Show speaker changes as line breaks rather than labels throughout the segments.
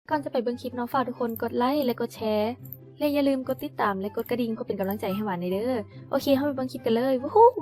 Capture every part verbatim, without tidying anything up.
ก่อนจะไปเบิ่งคลิปเนาะฝากทุกคนกดไลค์และกดแชร์และอย่าลืมกดติดตามและกดกระดิ่งเพื่อเป็นกำลังใจให้หวานในเด้อโอเคเข้าไปเบิ่งคลิปกันเลยวู้ฮู้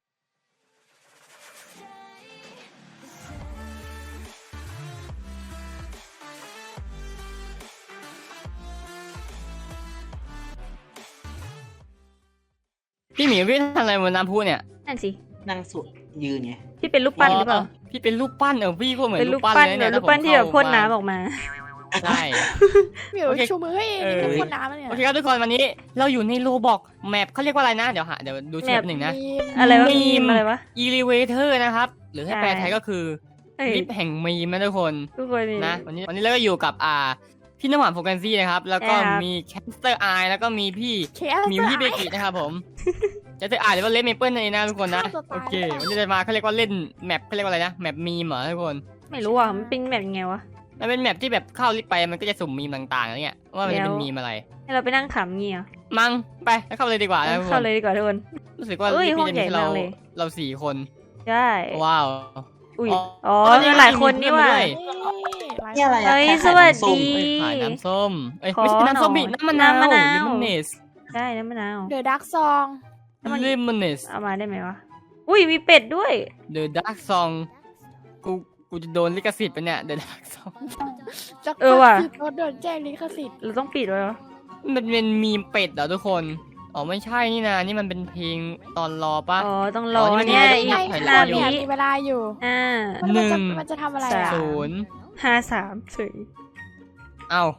พี่หมีพี่ทำอะไรบนน้ำพุเนี่ย
นั่นสิ
นั่งสุดยืนไง
พี่เป็นรูปปั้นหรือเปล่า
พี่เป็นรูปปั้นเออพี่ก็เหมือน
เป็นรู
รู
ป
ปปั้น
ปั้น
เลย
เหมื
เนี่
อย นรูปปั้นที่แบบพ่นน้ำออกมา
ใช่
เหมียว
โอเค
ชูมือให้เองนี่เป็นคนน้ำเนี่ย
โอเคครับทุกคนวันนี้เราอยู่ในโลบอกแมปเขาเรียกว่าอะไรนะเดี๋ยวหาเดี๋ยวดูชื่อหนึ่งนะ
อะไรวะ
มี
มี
ม
มอะไรวะ
elevator นะครับหรือให้แปลไทยก็คือ
เอ้ย
ลิฟต์แห่งมีมนะทุกคน
ทุกคนนี่
นะวันนี้วันนี้เราก็อยู่กับอ่าพี่น้ำหวานโฟกัสซี่นะครับแล้วก็
ครับ
มีแคสเตอร์ไอแล้วก็มีพี่
เคส
มิวที่เบกินะครับผม จะจะอ่านหรือว่าเล่นเมเปิลในนะทุกคนนะ
ฆ่าตัวตาย
โอเควันนี้จะมาเขาเรียกว่าเล่นแมปเขาเรียกว่าอะไรนะแมปมีมเหรอทุกคน
ไม่รู้อ่ะมันเป็นแบบยังไงวะ
มันเป็นแมปที่แบบเข้าลิฟต์ไปมันก็จะสุ่มมีมต่างๆอะไรเงี้ยว่ามันจะเป็น
แล้ว
มีมอะไร
ให้เราไปนั่งขำเงี้ย
มั้งไปแล้วเข้าเลยดีกว่านะทุกค
เข้าน เลยดีกว่าทุกคน
รู้สึกว่า
เอ้ย
ลิฟต์
ห้อง
นี่จะมี
ใหญ่
เรา
มากเลย
เราสี่คน
ใช่
ว้าว
อุ้ย
อ๋อ
อ๋อ
อ๋อ
มีหลายคนนี่ว่ะ
ด้วย
นี่อะไรอะ
เฮ้ย
แค่
สวัส
ไข่
ดี
น้ำส้ม
เอ้ยขายน้ำส้มเอ้ย
ขอ
ไม่ใช่น้ำส้ม
หน่
บิ
อย
น้ำมะนาว
น้ำมะนาว
ลิมอนเนส
ได้น้ำมะนาว
เดอะดักซอง
ลิมอนเนส
เอามาได้ไหมวะอุ้ยมีเป็ดด้วย
The Dark Song กูกูจะโดนลิขสิทธิ์ไปะเนี่ย The Dark Song
จัก
เออว่ะ
รโดนโดนแจ้งลิขสิทธิ์
เราต้องปิดไว้วะ
มันเป็นมีมเป็ดเหรอทุกคนอ๋อไม่ใช่นี่นะนี่มันเป็นเพลงตอนรอปะ
อ๋อต้องรอ
อ๋อนี่
เนี่ย
มัน
อี
มี
ก
ให้
ห้า
เดี๋
วิ
ยว
มีเวลาอยู่
อ่า
มัน
หนึ่
จะ
ง
มันจะทำอะไร
สา
อ่ะ
ม
ศูนย์
ห้าสามสี่
เอ้า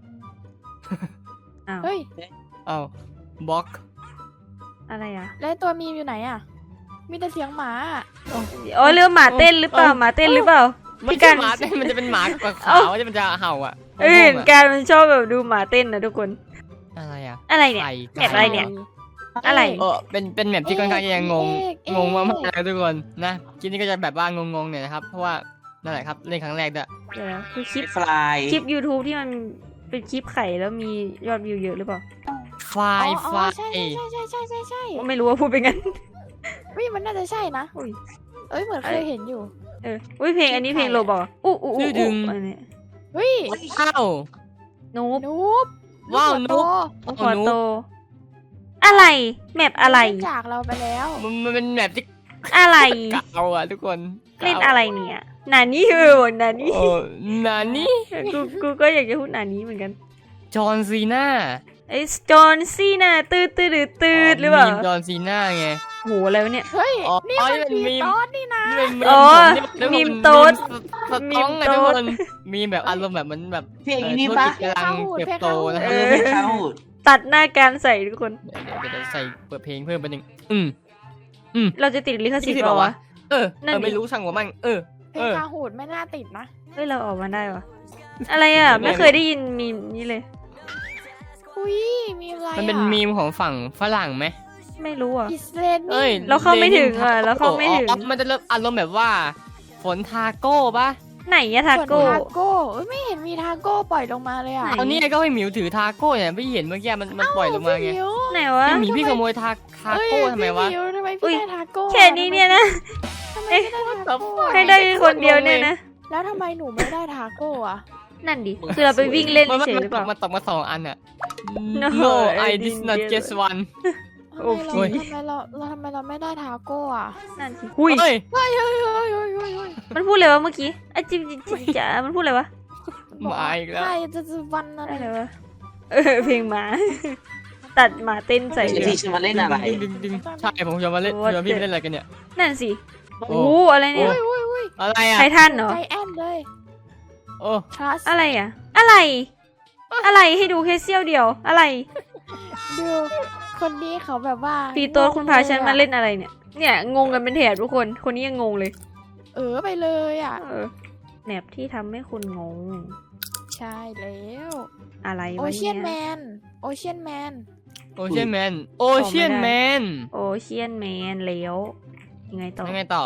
อ้าว
เฮ้ย
เอ้าบล็อก
อะไรอ่ะ
แล้วตัวมีมอยู่ไหนอ่ะ มีแต่เสียงหมาอะ
อ๋อเรือหมาเต้นหรือเปล่าหมาเต้นหรือเปล่า
ไม่
พี่
ใช่
การ
หมาแต่มันจะเป็นหมากับขา
เอ้า
วที่มันจะเห่าอ่ะ
เอ้ย
งงๆอะ
การมันชอบแบบดูหมาเต้นนะทุกคน
อะไรอ่ะ
อะไรเนี่ย
ไก่
แมปอะไรเนี่ย อะไร
เออเป็นเป็นแมปที่ค่อนข้างจะยังงง
เอ๊ะเอ๊ะ
งงมากๆนะทุกคนนะคลิปนี้ก็จะแบบว่างงๆเนี่ยนะครับเพราะว่านั่นแหละครับเล่นครั้งแรกด้วย
เดี๋ยวนะคือคลิป
ฟลาย
คลิป YouTube ที่มันเป็นคลิปไข่แล้วมียอดวิวเยอะหรือเปล่า
ไฟ
อ๋อ
ไฟ
อ๋อใช่ใช่ใช่ใช่ใช่ใช่
ไม่รู้ว่าพูดเป็นงั้น
วิมันน่าจะใช่นะ
อุ้ย
เอ้ยเหมือนเคยเห็นอยู่
เอออุ้ยเพลงอันนี้เพลงโรบอกอู้อู้อู้อู้อันนี้
เฮ้ย
อ้าว
นูบ
นูบ
ว้าว
หั
นุ๊ก
โต
หัวโต อะไรแมปอะไร
จากเราไปแล้ว
มันมันเป็นแมปที่
อะไร
เก่าอ่ะทุกคน
เล่นอะไรเนี่ยนานี่เออนานี่
โอ้นานี่
กูกูก็อยากจะพูดนานี่เหมือนกัน
จอห์นซีน่า
ไอ้จอห์นซีน่าตืดตืดตืดตืดหรือเปล่า
มีมจอห์นซีน่าไง
โหอะไรวะเนี่ย
เฮ้ย
อ๋อ
นี่
อ๋อ
มัน
นี่เป็น
มี
มีม
ตอนนี่นะ
นี่เป็นมีม
อ๋อ
ผม
มี
นี่
มโต๊ด
สสต้องไง
มีมโต๊
ทุก
ด
คนมีแบบอารมณ์แบบมันแบบ
เพลง
เอ่อ
นี้
ธุร
ปะ
กิจกำลังเติบโตนะค
เอ
รับ
อเพลงข้าวหูด
ตัดหน้าการใส่ทุกคน
เดี๋ยวเดี๋ยวเดี๋ยวใส่เปิดเพลงเพิ่มไปหนึ่งอืม
เราจะติดลิขสิทธิ์
ลิขสิทธิ์
เปล่าวะ
เออ
นั่
เอน อ
ดิ
ไม่รู้ช่างหัวมันเออ
เพลงคาหูดไม่น่าติดนะ
เฮ้ยเราออกมาได้วะอะไรอ่ะ
ไม่
ไม่เคยได้ยินมีมนี้เลย
อุ้ยมีอะไร
มันเป็นมีมของฝั่งฝรั่งไหม
ไม่รู้อ่ะ
อิสเลน
เอ้ย
เราเข้าไม่ถึงอ่ะเราเข้าไม่ถึง
อ๋อมันจะเริ่มอารมณ์แบบว่า ฝนทาโก้ปะ
ไหนอะทา
ส่วน
โก้
ทาโก้เอ้ยไม่เห็นมีทาโก้ปล่อยลงมาเลยอ่ะ
ไหน
เอานี่ก็ให้หมิวถือทาโก้เนี่ยไม่เห็นเมื่อกี้มันมันปล่อยลงมาไง
พี่มิว
ไหนวะ
พี่หมีพี่ขโมยทาทาโก้ทำไมวะ
เอ้ยพี่มิวทำไม
อุ๊
พี่
ย
ได้ทาโก้
แค่นี้เนี่ยนะ
ทำไมไม่ได้ทาโก้
ให้ได้คนเดียวเนี่ยนะ
แล้วทำไมหนูไม่ได้ทาโก้อะ
นั่นดิคือเราไปวิ่งเล่น
มัน
เฉย
มัน
หรือ
ต
เปล่าก
มาตกมาสองอันอ่ะ
No,
No
I
I did
didn't
not
get
just one
ทำ
โอ้
ไม
ย
เราทำไมเราเราทำไมเราไม่ได้ทาโก้อะ
นั่นสิหุย
เฮ้ย
เฮ้ยเฮ้ยเฮ้ยเฮ้ยเฮ้ยเฮ้ย
มันพูดอะไรวะเมื่อกี้ไอ้จิบจิบจิบจ๋ามันพูดอะไรวะ
มาอีกแล้ว
ใช่จะจะวันอะไร
อะไรวะเออเพลงหมา ตัดหมาเต้นใส่
เดี๋ยว
เลย
พี่จะมาเล่นอะไร
ดึงดึงดึงใช่ผมจะมาเล่น
What
ชวนพี่ไปเล่นอะไรกันเนี่ย
นั่นสิ
โอ้
โอ้โหอะไรเนี่ย
อุ้ยอุ้ยอุ้ย
อะไรอ่ะ
ไททันเหรอ
ใจแอนเลย
โอ้
trust
อะไรอ่ะ อะไร อะไรให้ดูแค่เสี้ยวเดียว อะไร
ดูคนนี้เขาแบบว่า
ปีโต้คุณพาฉันมาเล่นอะไรเนี่ย เนี่ยงงกันเป็นแถบทุกคน คนนี้ยังงงเลย
เออไปเลยอ่ะ
เออแมปที่ทำให้คุณงง
ใช่แล้ว
อะไร
โอ
วะ
เชียนแม
เนี่ย
นโอเชียนแมน
โอเชียนแมนโอเชียนแมน
โอเชียนแมนแล้วยังไงต่อ
ยังไงต่อ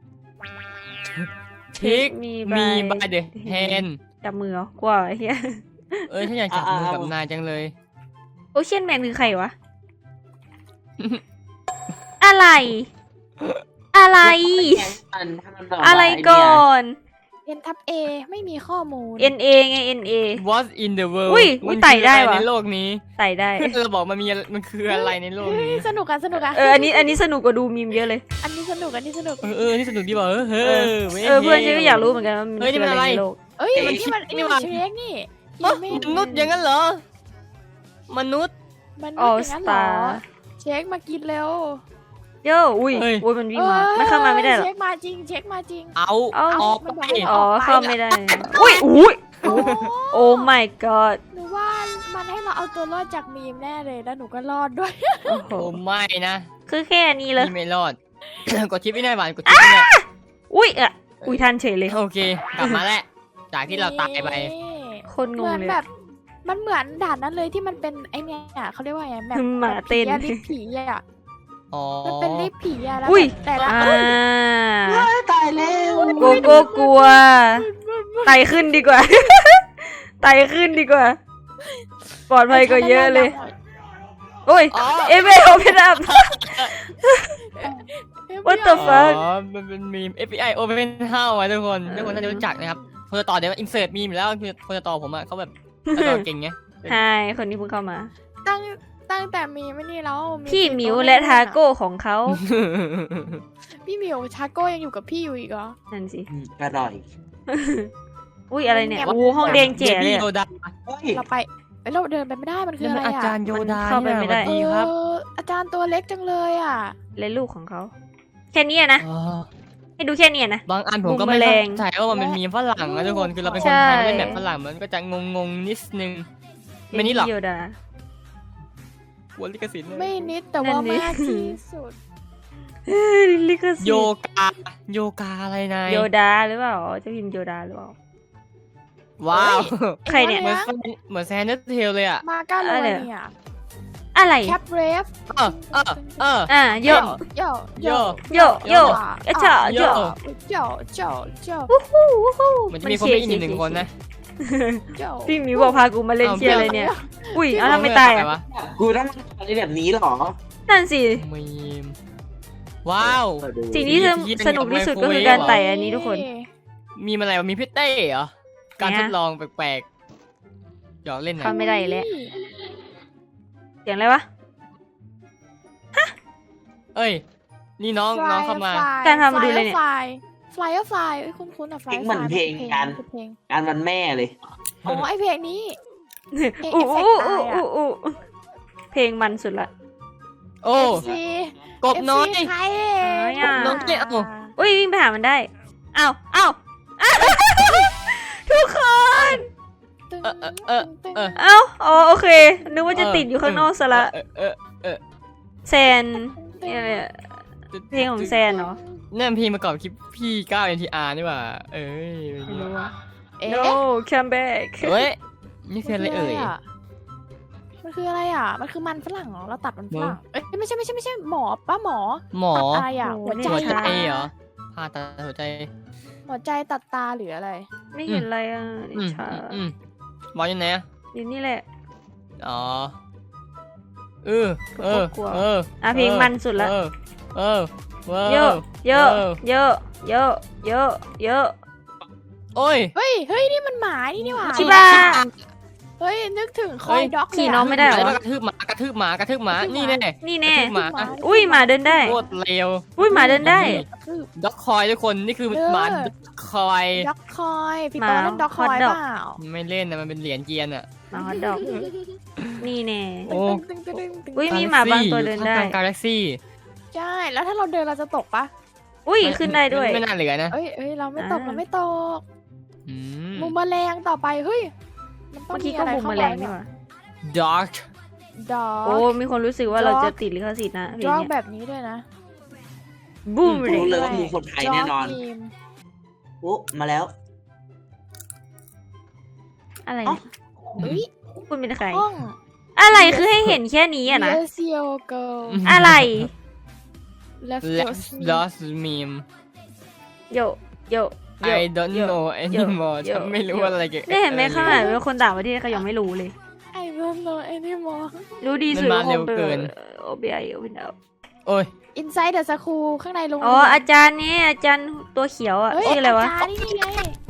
ทิก
มี
มี
by
บายเดอะแฮน
จับมือเหรอกว่าไอ้เฮีย
เอ้ยฉันอยากจับมือกับนายจังเลย
โอเชียนแมนคือใครวะ อะไร อะไร
มันถ้ามันแบบว่า
อะไรก่อน
เ N ทับ A ไม่มีข้อมูล
N A ไง N A
What in the world
อุ้ยอุ้ย
มัน
ไต่
คือ
ได้
อะไร
ว่ะ
ในโลกนี้
ไต่ได้
เราบอกมันมีอะไรมันคืออะไรในโลก
เฮ้ย
นี้
สนุกอะสนุกอะ
เอออันนี้อันนี้สนุกกว่าดูมีมเยอะเลย
อันนี้สนุกอันนี้สนุก
เออเออนี่สนุกดีป่ะเออเออไม่
เออเพื่อนฉันก็อยากรู้เหมือนกันว่ามัน
เฮ้ยนี่
คือ
มัน
อะไร
อะไร
ในโลก
เอ้ย
เอ้ย
นี่มัน
นี่
นี่
มั
มัน นเชคนี่
เอ้อ
ไม่
มนุษย์อย่างนั้นเหรอมนุษย์
มัน
ออ
ไม่
ส
อย่างนั้นเหร
ตา
อ
ร์
เช็คมากินเร็ว
เย้อุ้ย
เฮ้ย
อุ้ยมันวิ่งมามันเข้ามาไม่ได้หรอ
เช็คมาจริงเช็คมาจริง
เอา
เอา
ออก
มันบอก
ไป
ให้
อ๋อเข้าไม่ได้อุ้ยอุ้ยโอ้ my god
หนูว่ามันให้เราเอาตัวรอดจากมีมแน่เลยแล้วหนูก็รอดด้วย
โอ้โห
โอ้ไม่นะ
คือแค่นี้เลย
นี่ไม่รอด กดชิปไม่ได้หวานกดชิปไม่ได้
อุ้ยอะอุ้ยทันเฉยเลย
โอเค กลับมาแล้วจากที่เราตายไป
คนง
เห
ง
มือน
เลย
แบบ มันเหมือนด่านนั้นเลยที่มันเป็นไอเนี่ยเขาเรียกว่าไงแบบ
หมาเต้น
แบบผีอะลิฟต์ผีอะ
อ๋อ
มันเป็นลิฟต์ผีอะแล้ว
อุ้ย
แบบแต่ละ
อ่า
เอ้ยตายแล้ว
โกโก้กลัวไต่ขึ้นดีกว่า ไต่ขึ้นดีกว่า ปลอดภัยกว่าเยอะเลย โอ้ย
อ๋อ
เอเมโอเพนอัพ What the
อ๋
fuck
อมันเป็นมีม เอฟ บี ไอ Open House อะทุกคนทุกคนน่าจะรู้จักนะครับคนจะต่อเดี๋ยวอินเสิร์ตมีมแล้วคนจะต่อผมอะเขาแบบเขาต่อเก่งไง
ไฮคนนี้เพิ่งเข้ามา
ตั้งตั้งแต่มีไม่นี่แล้ว
พี่หมิวและทาโก้ของเขา
พี่หมิวชาโก้ยังอยู่กับพี่อยู่อีกเหรอ
นั่นสิ
อืมอร่อย
อุ้ยอะไรเนี่ย
เนี่ย
โอ้ห้องแดงเจ๋เลย
โย
อะ
ดา
เฮ้ย
เราไปเอ้ยเราเดินไปไม่ได้มันคือ
นี่
อะ
มัน
ไร
อา
อะ
จารย์โยดา
เข้าไปไม่ได้
นี่สวัสดีครับ
เอออาจารย์ตัวเล็กจังเลยอะ
และลูกของเขา แค่นี้อะนะ
อ๋อ
ให้ดูแค่นี้อะนะ
บางอันผมก็ไม่
มุมแมล
เข้าง ใจว่ามันเป็นมีมฝรั่งนะทุกคนคือเราเป็นคน
ใช่
ไทยเล่นแบบฝรั่งมันก็จะงงงๆนิดนึงไม่นี่หรอก
โยดา
หัวลิขสิทธิ์เลย
ไม่นิดแต่ว่า
นั่นดิ
มากที่สุด
ลิขสิท
โย
ธิ์
กาโยกาอะไรนาย
โยดาหรือเปล่าจะพิมพ์โยดาหรือเปล่า
ว้าว
ใครเนี่ย
เหมือนเหมือนแซนเดอร์เทลเลยอ่ะ
มาก้าโร
อะไร
เนี่ย
อะไร
แคปเรฟ
เออเออเออ
อ่ะโย
โย
โย
โยโยอะชะโย
โย
โยโยโย
วู้ฮู้วู้ฮู้
เหมือนจะมีคนไม่อินอีกหนึ่งคนนะ
โย
พี่หมิวบอกพากูมาเล่น
เอา
เชียอะไรเนี่ย อุ้ยเอาทำไมตาย
ใคร
อ่ะ
วะ
กูต้องทำอะไรแบบนี้เหรอ
นั่นสิ
มีมว้าว
เปิดดู
สิ่งที่สนุกที่สุดก็คือการไต่อันนี้ทุกคน
มีอะไรวะมีพี่เต้เหรอการทดลองแปลกๆหยอกเล่นหน่อ
เข้าย ไม่ได้แล้วเสียงอะไรวะ
เอ้ยนี่น้องน้องเข้ามา
การทำมาดูเลยเนี่ย
ฟลายฟลายฟลายเอ้ยคุ้นคุ้นๆอะฟลาย
เหมือนเพลงกัน
เพลง
งานวันแม่เลย
อ๋อไอเพลงนี้ เพลง
อู้
เอฟเฟก
อู้
ต์ตายอะ
อู้อู้เพลงมันสุดละ
โอ้
เอฟซี
กบน้อย
เอฟซีใคร
น้อยอะ
น้องเนี่ยเอา
อุ้ยวิ่งไปหามันได้อ้าวอ้าวอ้าวทุกคน
ตึง
เออเออเออ
ตึง
เออ
เอ้าอ๋อโอเค นึกว่าจะติดอยู่ข้างนอกซะละ
เออเออ
แซนเนี่ยเนี่ย เพลงของแซนเหรอ
นั่นเพลงประกอบคลิปพี่ก้าว เอ็น ที อาร์ นี่หว่าเอ้ย
ไม่รู้อะ
เอ๊ะ
no come back
เฮ้ยนี่คืออะไรเอ่ย
มันคืออะไรอ่ะ มันคือมันฝรั่งเหรอ เราตัดมันฝรั่ง เอ้ยไม่ใช่ไม่ใช่ไม่ใช่หมอป้าหมอ
หมอ
ตัดอะไรอ่ะ
โอ้
หัว
นี่
ใจ
หัวใจ
ใช่
เหรอผ่าตัดหัวใจ
หัวใจตัดตาหรืออะไร
ไม่เห็นอะไรอ่ะ
อืม
ชา
อืมหมออยู่ไหนอะ
อยู่นี่แหละ
อ๋อเออเออ
กลัว
เออ
อ่ะเพลงมันสุดละ
เออเออเออ
เยอะเยอะเยอะเยอะเยอะเยอะ
โอ้ย
เฮ้ย เฮ้ย นี่มันหมานี่นี่หว่า
ชิบะ
เฮ้ย นึกถึงค
เฮ้
อย
ย
ด็อก
ขี่น้องไม่ได้เหรอ
แล้วก็กระทืบหมากระทืบหมากระทืบหมานี่แน่
นี่แน่
กระทืบหมา
อุ้ยหมาเดินได้
โคตรเร็ว
อุ้ยหมาเดินได้
คือ
ด็อกคอยทุกคนนี่คือหมาด็อกคอย
ด็อกคอยพี่
หมา
ปอเล่นด็อกคอย
hot dog
เปล่า
ไม่เล่นนะมันเป็นเหรียญเกียนอ่ะ
หมาฮอตดอกนี่แน่
โอ้
ตึงตึงตึงตึง
อุ้ยมีหมาบางตัวเดินได้
กาแล็กซี่
ใช่ แล้วถ้าเราเดินเราจะตกปะ
อุ้ยขึ้นได้ด้วย
ไม่น่าเหลือนะ
เอ้ยเอ้ยเราไม่ตก
อ่า
เราไม่ตก
อืม
มุมแมลงต่อไป เฮ้ย มันต้อ
เมื่
ง
อกี้ก็
มีอะไร
บุก
เข้า
แม
ไป
ลงนี่
เนี่ย
หว่า
ดาร์ก
ดอ
โอ้
ก
มีคนรู้สึกว่าเราจะติดลิขสิทธิ์นะเพล
ด
ง
อก
เนี้ย
แบบนี้ด้วยนะ
บูม
รู้
เลย
เลยว่ามีคนไทยแน่นอน
จกทีม
โอ้มาแล้ว
อะไร
เอ้า
เฮ้ย
คุณเป็นใคร
ห้อง
อะไรคือให้เห็นแค่นี้อะนะ
Yes yo go
อะไร
left
และ
your sleep
lost meme
โยโยโย
I don't
โย
know anymore
โย
ฉันไม่รู้ว่าอะไรเกี่ยวกับ
ได้เห็นไหม
อะร
ข้างหลังเป็นคนต่างประเทศเขายังไม่รู้เลย
I don't know anymore
รู้ดีสุด
มันมาเร็วเกิน
โอเบไอโอเปนเอา
โอ้ย
inside the school ข้างในโรง
อ๋อ
เรียน
อาจารย์เนี่ยอาจารย์ตัวเขียวอ่ะ
เฮ้ย
ชื่ออะไรวะ
อาจารย์นี่ไง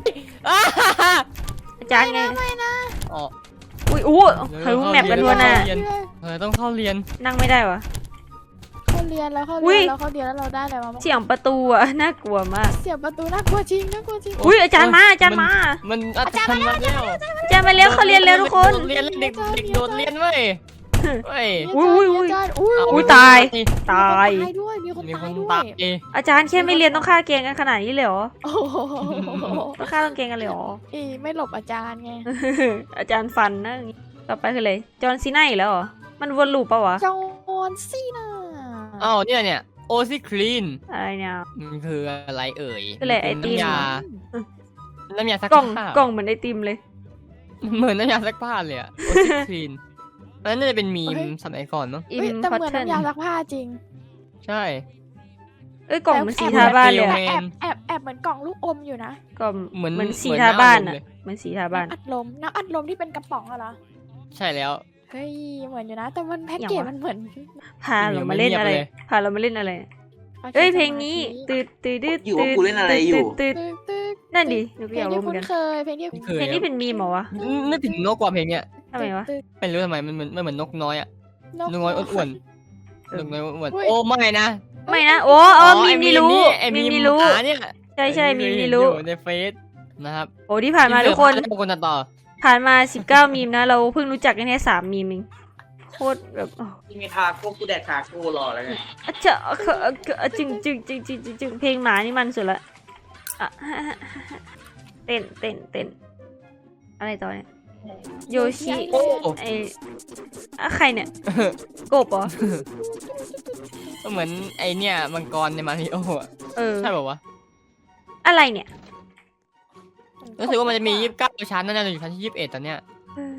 อาจารย์ไง
อ๋อ
อุ้ยอู้เฮ้ยแมปกันทั่วหน้า
เรียน เออต้องเข้าเรียน
นั่งไม่ได้วะ
เขาเรียนแล้วเขา
อุ๊
เรี
ย
ยนแล้วเขาเรียนแล้วเราได้อะไรมาบ้าง
เสียงประตูอ่ะน่ากลัวมาก
เสียบประตูน่ากลัวจริงน่ากลัวจริง
อุ้ยอาจารย์มาอาจารย์มา
มันอาจารย์มาแล้ว
อาจารย์มาเร็วเขาเรียนเร็วทุกคน
โดดเรียนเด็กเด็กโดดเรียนเว้ยเว้ย
อุ๊ยอุ๊ยอุ๊ย
อาจารย์อุ้ย
เา
อุ๊ยตาย ตาย
มีคนตายด้วยมีคน
มีค
ตาย
น
ด้ว
ตาย ย
อาจารย์แค่ไม่เรียนต้องฆ่าเกงกันขนาดนี้เลยเหรอ
โอ้โห
ต้องฆ่าต้องเกงกันเลยเหรอ
อีไม่หลบอาจารย์ไง
อาจารย์ฟันนะอย่างงี้ต่อไปคืออะไรจอห์นซีน่าอีกแล้วเหรอมันวนลูปปะวะ
จอห์นซีน่า
อ้าวเนี่ยเนี่ยโอซิคลีน
อะไรเนี่ย
มันคืออะไรเอ่ย
คืออะไรไอติม
น้ำยา
เหรอ
น้ำยาซัก
กล่อง
ผ้าก
ล่องเหมือนไอติมเลย
เหมือนน้ำยาซักผ้าเลยอะโอซิคลีนอันนั้นน่าจะเป็นมีมสมัยก่อนมั้ง
อิ
เฮ้ย
ม
แต่
พอ
เหมือน
เทน
น้ำยาซักผ้าจริง
ใช่
เอ้ยกล่องเหมันสี
แอบ
ทาบ้านเลย
แบ
อะ
บ
แอบแอบแอบเหมือนกล่องลูกอมอยู่นะ
กล่อง
เหมือน
เหมือนสี
เหมือน
ทาบ้าน
น้ำอัดลม
อะ
เลย
เหมือนสีทาบ้าน
น้ำอัดลมน้ำอัดลมที่เป็นกระป๋องอะเหรอ
ใช่แล้ว
เฮ้ยเหมือนอยู่นะ แต่มันแพ็กเกจ
อย่างวะ
มันเหมือน
พาเรามาเล่นอะไร
เงียบเลย
พาเรามาเล่นอะไร เอ้ยเพลงนี้ตืดตืดตืด
อยู่ว่ากูเล่นอะไรอยู่
ตืด
ตึ๊กตึ๊ก
นั่นดิหนู
เพ
ก็
ล
อง ยากรู้
ที่
เหมือ
คุ้
น
น
กัน
เคยเพลงที่
ไม่เค
เพล
ย
งนี้เป็นมีมเหรอวะ
นึกถึงนกกว่าเพลงเนี้ย
ทำไมวะ
ตึ๊ก
ไม่รู้ทำไมมันเหมือนมันเหมือนนกน้อยอะ
นก
นกน้อยอ้วน
เอ
ๆ
อ
นกน้อยอ้วน
อุ๊ย
ๆโอ้ไม่นะ
ไม่นะโอ้อ๋อมีม
ไ
นี่รู้
ไอ้
มี
มี
ม
ม
นี่รู้
หาเนี่ย
ใช่ใช่มีม
เคยเห็
นี่รู้
อยู่ในเฟซนะครับ
โอ้ที่ผ่านมาทุกคน
ที่เกิดมาแล้วคนตัดต่อ
ผ่านมาสิบเก้ามีมนะ เราเพิ่งรู้จักกันแค่สามมีมเองโคตรแบบอ๋อ
มีทาโก้กูแดกทาโก้รอแล้วไง
อะเจ้าอะเขอะอะเขอะอะจึงจึงจึงจึงจึงจึงเพลงหมานี่มันสุดละอ่ะเต้นเต้นเต้นอะไรต่อเนี่ยโยชิ
โอ้
ไออะใครเนี่ยกบเหรอ
ก็เหมือนไอเนี่ยมังกรในมาริโออะ
เออ
ใช่ป่าวะ
อะไรเนี่ย
รู้สึกว่ามันจะมียี่สิบเก้าชั้นนั่นจะอยู่ชั้นที่ยี่สิบเอ็ดตอนเนี้ย
เออ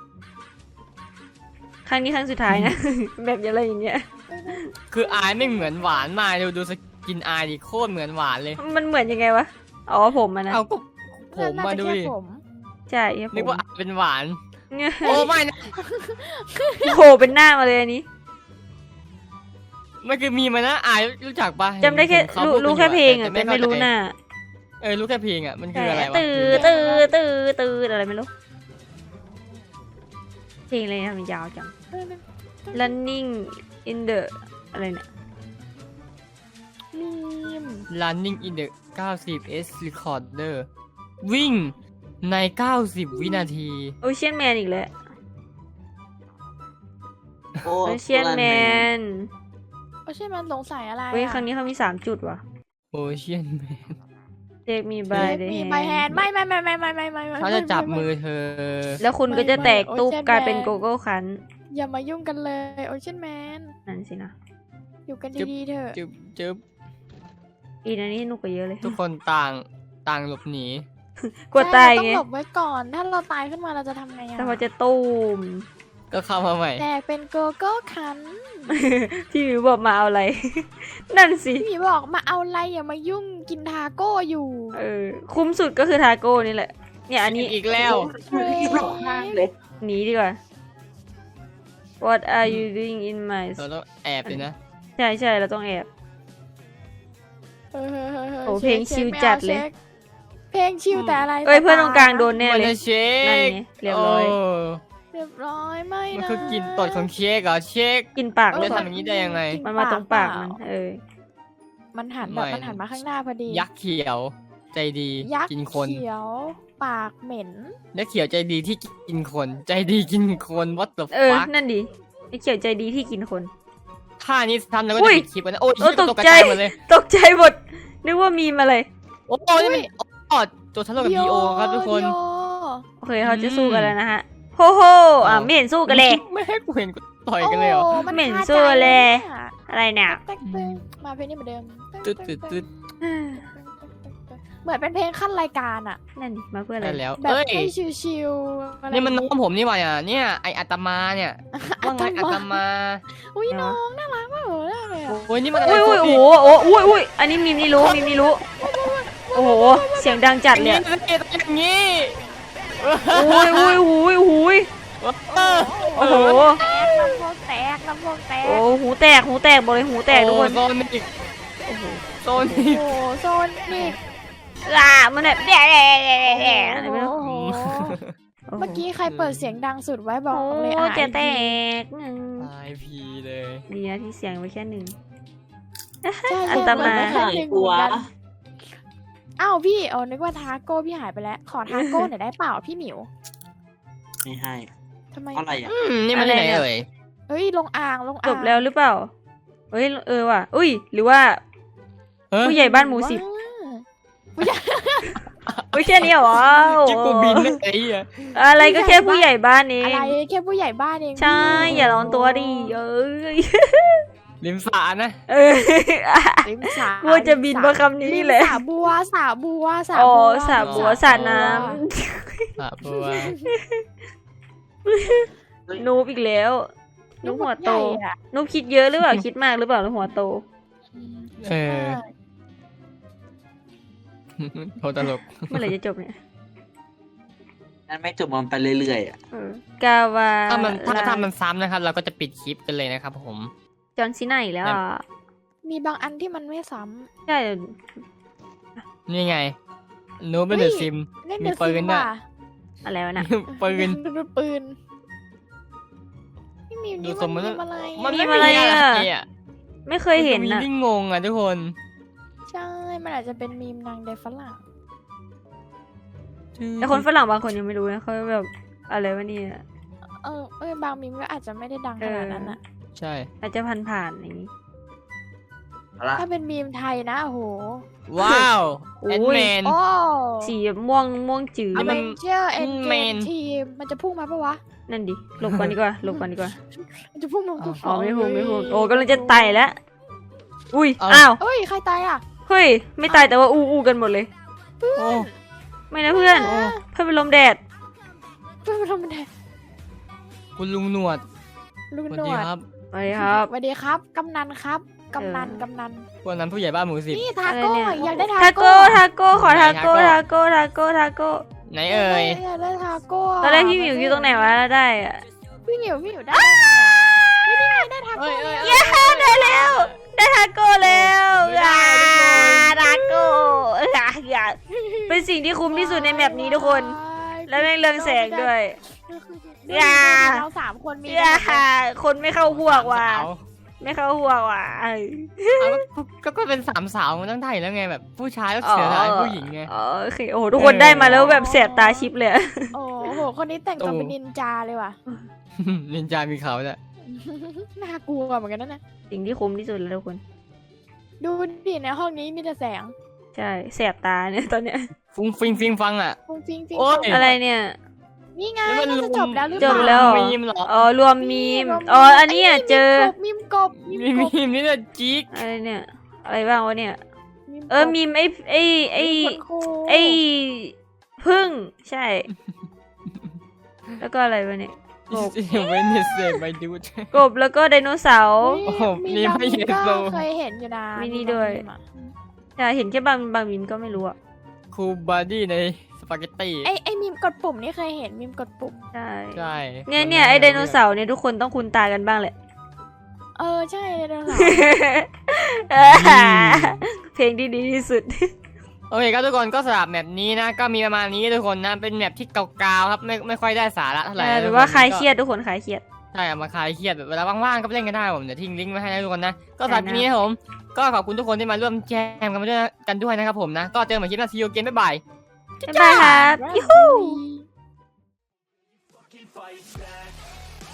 ครั้งนี้ครั้งสุดท้ายนะ แบบอะไรอย่างเงี้ย
คืออายไม่เหมือนหวานมากดูดูสกินอายดิโคตรเหมือนหวานเลย
มันเหมือนยังไงวะอ๋อผมมันนะ
เอาก็ผมมา
น่จะ
ดู
แค่
ดิ
ผม
ใช่ครับผ
นึก
ม
ว่าอายเป็นหวาน
เนี่ย
โอ้ไม่นะ
โหเป็นหน้ามาเลยอันนี้
มันคือมีมานะอายรู้จักปะ
จำได้แค่
เห็นเขา
รู้
พูดกัน
รู้แค่เพลงอ่ะ
ยู่
แต่ไม่รู้หน้า
เออรู้แค่เพลงอ่ะมันคืออะไรวะ
ตื้อตื้อตื้อตื้ออะไรไม่รู้เพลงอะไรนะมันยาวจัง running in the อะไรเนี่ย
มีม
Running in the เก้าสิบ S recorder วิ่งใน เก้าสิบ วินาที
โอเชียนแมนอีกแล้ว
โอ้
โอเชียนแมน
โอ้ใช่มันสงสัยอะไร
เฮ้ย
อะ
ครั้งนี้เขามีสามจุดว่ะ
Ocean Man
take me by the
มี
hand
ใบแฮนไม่ไม่ไม่ไม่ไม่ไม่ไม่ไม่
เขาจะจับมือเธอ
แล้วคุณก็จะแตกตุ๊บ
ไม่ไม่
กลายเป็น
Ocean
โกโก้คัน
อย่ามายุ่งกันเลยโอเชียนแมน
นั่นสินะ
อยู่กันดีๆเถอะ
จึ๊บจึ๊บ
อีนันนี้หนุกกว่าเยอะเลย
ทุกคนต่างต่างหลบหนี
กลัวตาย
ใช่
ไง
เรต้องหลบไว้ก่อน ถ้าเราตายขึ้นมาเราจะทำไงอะ
แต่พอจะตูม
ก็เข้ามาใหม่
แตกเป็นโกโก้คัน
พี่หมิวบอกมาเอาอะไร นั่นสิ
พี่หมีบอกมาเอาอะไรอย่ามายุ่งกินทาโก้อยู่
เออ คุ้มสุดก็คือทาโก้นี่แหละ เนี่ยอันนี้
อีกแล้ว
ที่หลงข้างเลย
หนีดีกว่า What are you doing in my
เราต้องแอบเลยนะ
ใช่ใช่เราต้องแอบ
เฮ้ยเฮ้ยเฮ้ยฮ้ย
โอ้เพลง
ช็ค
ชิล
ไม่อา
จัดเลย
ช็คเพลงชิลแต่อะไร
เอ้ยเพื่อนตรงกลางโดนแน่
มัน
เลย
จะเช็
นั่น
ค
ไงเรียบร้อย
โ
เรียบร้อยไม่นะ
มันคือกินตดของเช็คเหรอเช็ค
กินปาก
จะ
เลย
ทำอย่างนี้ได้ยังไง
กิ
มันมาตรงปากมัน เออ
มันหันแบบ
ไม่
มันหันมาข้างหน้าพอดี
ยักษ์เขียว ใจดี
ยักษ์
กินคน
เขียว ปากเหม็น
ยักษ์เขียวใจดีที่กินคน ใจดีกินคน what the
เออ
fuck
นั่นดิไอเขียวใจดีที่กินคน
ท่านี้ทำแล้วก็
อุ้
จะ
ย
ปิดคลิปแล้วนะโอ้ย
โอ้
เหี้ย
ต
ต
ก
ก
ใจ
ใจหมดเลย
ตกใจหมด นึกว่ามีมอะไร
โอ้ยนี่มันอ๋อตัวทะเลาะกับดีโอครับทุกคน
โย
โอเคเขาจะสู้กันแล้วนะฮะ โฮโฮอ่ะไม่เห็นสู้กันเลย
ไม่ให้กูเห็นกูต่อยกันเลยเหรอ
โมัน
เหม็น
คาใจ
สู้เลย
อะ
อะไรเนี่ย
แต๊กเต๊กมาเพลงนี้เหมือนเดิม
ตึ๊ดตึ๊ดตึ๊ด
เหมือนเป็นเพลงขั้นรายการอะ
นั่นดิมาเพื่ออะไร
ได้แล้ว
แบบ
เอ้ย
ให้ชิวๆอะไร
นี่มันน้องผมนี่หว่าเนี่ยเนี่ยไออัตมาเนี่ยว่าไงอัตมา
อุ้ยน้องน่ารักมากเลยอะ
โอ้ยนี่มันอะไร
อุ้ยอุ้ยโอ้โหโอ้อุ้ยอุ้ยอันนี้มีมนี่รู้มีมนี่รู้ โอ้โห เสียงดังจัด
อ
เลย
ย่าง
อะ
นี้อย่างนี้
อุ้ยอุ้ยอุ้ยอุ้ย
เออ
โอ้โห
แตกลำโพงแตกลลำโพงแตก
โอ้หูแตกหูแตกบอกเลยหูแตกทุกคน
โซนอีก
โอ้โห
โซนอีก
โอ้โหโซนนี่
อ่ามันแบบแด่แด่แด่แด่อะไรไม่รู้
โอ้โหเมื่อกี้ใครเปิดเสียงดังสุดไว้บอก
โอ้
เลย
โห
อ่ะ
จะแตกหนึ่ง
ตายพีเลย
ดีนะที่เสียงไว้แค่หนึ่ง
ใช่
อันตราย
ใช่ใช่กลัวอ้าวพี่เออนึกว่าทาโก้พี่หายไปแล้ว ขอทาโก้หน่อยได้เปล่าพี่หมิว
ไม่ให้
ทำไม
อะไรอ่ะ
อืมนี่มันที่ไหนเอ่ย
เฮ้ยลงอ่างลงอ่าง
จบแล้วหรือเปล่าเฮ้ยเออว่ะอุ้ยหรือว่า
เฮ้ย
ผู้ใหญ่บ้านหมู่สิบ
ว้า
อุ้ยแค่นี้เหรอ
จิ๊กกูบินเลยไอ้เหี้ย
อะไรก็แค่ผู้ใหญ่บ้านเอ
อะไร
ง
แค่ผู้ใหญ่บ้านเอง
ใช่อย่าร้อนตัวดิเอ้ย
ริมสานะ
เออ
ริมสระ
กลัวจะบินเพราะคำนี้แหละ
สาบัวสาบัวสา
อ๋อ
บัว
สระบัวสระน้ำ
สาบัว
นูบอีกแล้วนูบหัวโต
ใญ่อะ
นูบคิดเยอะหรือเปล่า คิดมากหรือเปล่านูบหัวโต
เออโคตรตลก
เมื่อไหร่จะจบเนี่ย
นั่นไม่จบมันไปเรื่อยๆอ่ะ
เออกาวา
ถ้ามันถ้า
ล
ถ้ามันซ้ำนะครับ เราก็จะปิดคลิปกันเลยนะครับผม
จอห์นซีน่าอีกแล้วอ่ะ
มีบางอันที่มันไม่ซ้
ใช่
นี่ไงโน้ตเป็นเดอะซิม
ำเล่น
มี
เดอะ
ปื
ซิ
น
ม
ด้วย
ว่ะ
อะไรวะน่ะ
ปืน
ดูปืนพี่มิว
ดู
นี่
ทรงมั
มัน นมีอะไร
มัน
มี
ไม่
อะไร
มี
อะ
อะไรอ่ะ
ไม่เคยเห็น
มี
อ่ะ
ที่งงอ่ะทุกคน
ใช่ มันอาจจะเป็นมีมนางเดฟฝรั่ง
แต่คนฝรั่งบางคนยังไม่รู้นะเขาแบบอะไรวะเนี่ย
เออเออบางมีมก็อาจจะไม่ได้ดังขนาดนั้นอะ
ใช่
อาจจะผ่านๆอย่างนี้
เอาละ
ถ้าเป็นมีมไทยนะโอ้โห
ว้าว
โอ้
แอน
ย
แมน
โอ้
สีม่วงม่วงจืด
นี่มัน
เชื่อเอ็นเก
เม
ม
น
ทีมมันจะพุ่งมาปะวะ
นั่นดิหลบก่อนดีกว่าหลบก่อนดีกว่า
มันจะพุ่งมากู
อ๋อไม่พูดไม่พูดโอ้กำลังจะไต่แล้วอุ้ย
เอา
อ้าว
เอ้ยใครตายอ่ะ
เฮ้ยไม่ตายแต่ว่าอู้อู้กันหมดเลย
โอ้
ไม่นะเพื่อน
โอ้
เพื่อนเป็นลมแดด
เพื่อนมาทำมันแทน
คุณลุงหนวด
ลุง
สวัส
หน
ดี
วด
ครับ
ไปครับ
สวัสดีครับกำนันครับกำนัน
เออ
กำนัน
พวกนั้นผู้ใหญ่บ้านหมู่สิบ
นี่ทาโก้
อะไรเนี่ย
อยากได้ทา
ทา
โก้
โก้ทาโก้ขอทาโก้
ไหน
ทา
ทาโก้
โก้ทาโก้ทาโก้
ไหนเอ่ย
อยากได้ทาโก้
ตอนแรกพี่หมิวอยู่ตรงไหนวะแล้วได้อะ
พี่หมิวพี่หมิวได้ได้ไงอะเฮ้ยนี่ไงได้ทาโก้
เอ้ยเอ้ย
เย้ได้แล้ว ได้ทาโก้แล้ว
ไม่ได้
อ่า
ทุกคน
ทาโก้อ่ะอย่าเป็นสิ่งที่คุ้มที่สุดในแมปนี้ทุกคน และแม่งเรืองแสงด้วย
ดู
อย่า
ดิเราสามคนมี
อย่าคนไม่เข้าพวกว่ะ
สาว
ไม่เข้าพวกว่ะเอ้ย
เอาก็ก็ก็เป็นสามสาวมันต้องได้อยู่แล้วไงแบบผู้ชายก็เสียดายผู้หญิงไง
อ๋อโอเคโอ้โหทุกคนได้มาแล้วแบบแสบตาชิปเลยอะ
โอ้โหคนนี้แต่งตัว
โอ้
เป็นนินจาเลยว่ะ
นินจามีเขาเนี่ย
น่ากลัวเหมือนกันนะเนี่ย
สิ่งที่คุ้มที่สุดแล้วทุกคน
ดูดิในห้องนี้มีแต่แสง
ใช่แสบตาเนี่ยตอนเนี้ย
ฟุ้งฟิงฟิงฟังอ่ะ
ฟุ้งฟิงฟิง
โอ๊ย
ฟุ้ง
อะไรเนี่ย
นี่ไง
แล้วมัน
น่าจะจบแล้วหรือเป
จ
ล่า
บแล้วเหรอ
มีมเหรอ
อ๋อรวมมีมอ๋ออันนี้อ่ะเจอ
มีมกบมี
มี
มกบ
มีมนี่แหละจิ๊ก
อะไรเนี่ย อะไรบ้างวะเนี่ย
มีมกบ
เออมีมไอ้ไอ้ไอ้
มีมขนโค
ไอ้พึ่งใช่ แล้วก็อะไรวะเนี่ยกบ
เวนเนสเซไปดู
กบแล้วก็ไดโนเสาร์
เฮ้ย
โอ้โห
มี
มี
บาง
ไม่
มี
เห็
ม
น
ก็
โล
เคยเห็นอยู่นะ
มีนี่ด้วย
บางมีมอะ
ใช่เห็นแค่บางบางมิมก็ไม่รู้อ่ะ
คูบาดี้ในสปาเกตตี้
ไอไอมีมกดปุ่มนี่เคยเห็นมีมกดปุ่ม
ใช่
ใช่
เนี่ยเนี่ยไอ้ไดโนเสาร์เนี่ยทุกคนต้องคุ้นตากันบ้างแหละ
เออใช่ไดโนเสาร์
เพลงที่ดีที่สุด
โอเคครับทุกคนก็สำหรับแมปนี้นะก็มีประมาณนี้ทุกคนนะเป็นแมปที่เก่าๆครับไม่ไม่ค่อยได้สาระเท่าไหร่
หรือว่าคลายเครียดทุกคนคลายเครียด
ใช่เอามาคลายเครียดแบบเวลาว่างๆก็ไปเล่นกันได้ผมเดี๋ยวทิ้งลิงก์ไว้ให้นะทุกคนนะก็สำหรับ
ได้นะ
ทีนี้นะครับผมก็ขอบคุณทุกคนที่มาร่วมแจมกันมาด้วยกันด้วยนะครับผมนะก็เจอกันใหม่คลิปหน้าซีโอเกมบ๊ายบาย
บ๊ายบายครับ
Right.
ยูฮู
Fucking fight back.